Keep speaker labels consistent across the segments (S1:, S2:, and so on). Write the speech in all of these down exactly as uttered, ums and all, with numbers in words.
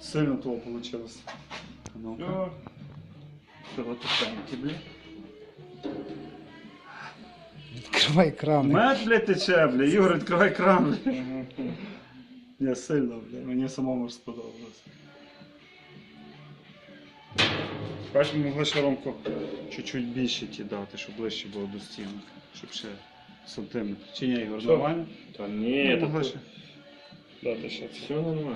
S1: Сильно того получилось. Ну-ка. Чого тут пеньки, блядь?
S2: Відкривай кран.
S1: Мед, блядь, тече, блядь. Ігор, відкривай кран, блядь. Не сильно, блядь. Мені самому ж сподобалось. Бачиш, ми могли ще Ромку чуть-чуть більше ті дати, щоб ближче було до стінок. Щоб ще сантиметр. Чи ні, Ігор,
S3: Що?
S1: нормально?
S3: Та ні,
S1: Ну, могли
S3: та
S1: ще дати ще.
S3: все нормально.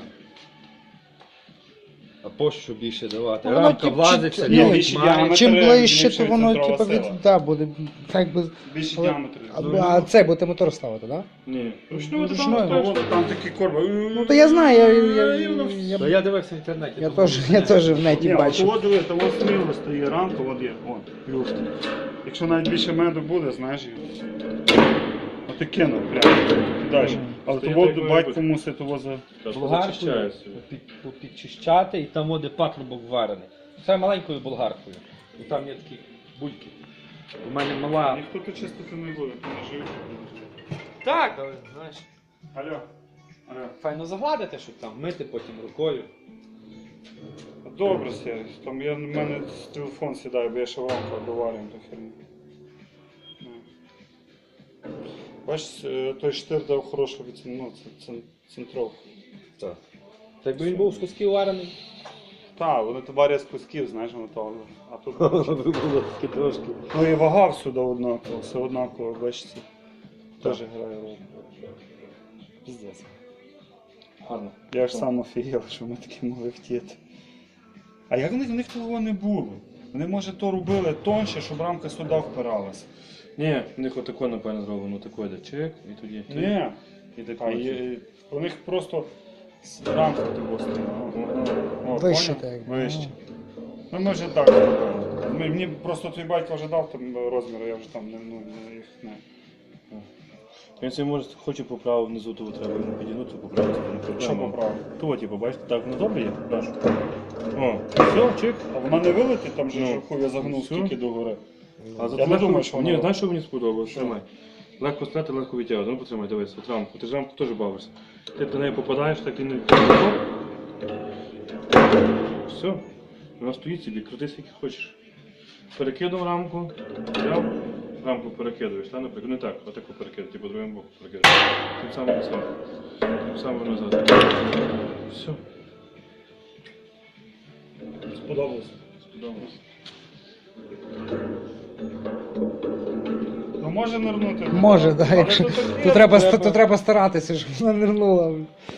S4: А по що більше давати?
S2: Ну, воно,
S4: Рамка
S2: тип,
S4: влазить,
S2: чи-
S4: це
S2: ні,
S4: не
S1: більше
S4: має.
S1: діаметр.
S2: Чим ближче, то
S1: збільшує
S2: воно
S1: центрова
S2: типу, від,
S1: сила.
S2: да, буде так би.
S1: Більше
S2: Але-
S1: діаметр.
S2: А, а це буде мотор ставити, так? Да?
S3: Ні.
S2: Ручною,
S3: Ручною,
S2: ручною.
S3: там,
S1: Та
S3: там,
S1: от там такі корби.
S2: Ну то я знаю, я, я, я, я,
S4: Та я дивився в інтернеті.
S2: я,
S4: думаю,
S2: теж, я теж в неті
S1: Ні, от
S2: бачив.
S1: от диви, там от сміло стає рамка, от є, от, люфт. Якщо навіть більше меду буде, знаєш, і- от і кинув прямо, далі. Але
S3: Стоїть,
S1: того
S3: як має
S1: батько
S3: бути.
S1: мусить того за...
S4: Болгаркою
S3: Зачищається.
S4: під- підчищати, і там буде патрубок варений. Це маленькою болгаркою. І там є такі бульки. У мене мала.
S1: Ніхто тут чистити не буде, то не живуть.
S4: Так, але знаєш.
S1: Алло, алло.
S4: Файно загладити, щоб там мити потім рукою.
S1: Добре, Сергій, там я, в мене телефон сідає, бо я ще в рамках доварюю ту херню. Ну. Бачиш, е, той штир дав хорошу від ну, це, це, центровку.
S4: Так. Та якби він був з кусків варений.
S1: Так, вони то варять з кусків, знаєш, воно то. А тут
S4: Би було таке трошки.
S1: ну і вага всюди однакова, все однаково, бачите. Теж грає роль. Піздець.
S4: Гарно.
S1: Я ж сам офігел, що ми такі могли втіти. А як в них, в них того не було? Вони, може, то робили тонше, щоб рамка сюди впиралася.
S3: Ні, в них отако, напевно, зроблено. Тако йде чек, і тоді ти.
S1: Ні.
S3: І тако.
S1: А є, у них просто с- рамка того стояла. О,
S2: Вище
S1: поняв?
S2: так.
S1: Вище. Ну ми вже так робили. Ми- Мені просто твій батько вже дав там розміри, я вже там не, ну, не, їх не.
S3: Він собі може хоче поправити внизу, того треба йому підігнути, поправити. не проблема.
S1: Що поправив?
S3: Того, типу, бачите, так воно добре є? Так. О, все, чек.
S1: А вона не вилетить, там же
S3: Ну,
S1: ж хуй я загнув
S3: все.
S1: скільки до гори.
S3: А
S1: Я
S3: зато
S1: не
S3: легко-
S1: думаю, що воно-
S3: Ні, знаєш, що мені сподобалось?
S1: Що?
S3: Тримай. Легко стріляти, легко відтягувати. Ну, потримай, дивись, от рамку. Ти ж рамку теж бавишся. Ти до неї попадаєш, так і не... Все. Вона стоїть собі, крути скільки хочеш. Перекинув рамку, взяв, рамку перекидуєш, та, наприклад, не так, отаку перекидуєш, типу другим боком перекидуєш. Тим самим назад. Тим самим назад. Все.
S1: Сподобалось.
S3: Сподобалось.
S1: Ну може нирнути.
S2: Може, так,
S1: Але
S2: якщо.
S1: то таке,
S2: То треба,
S1: треба-
S2: то треба старатися, щоб вона нирнула.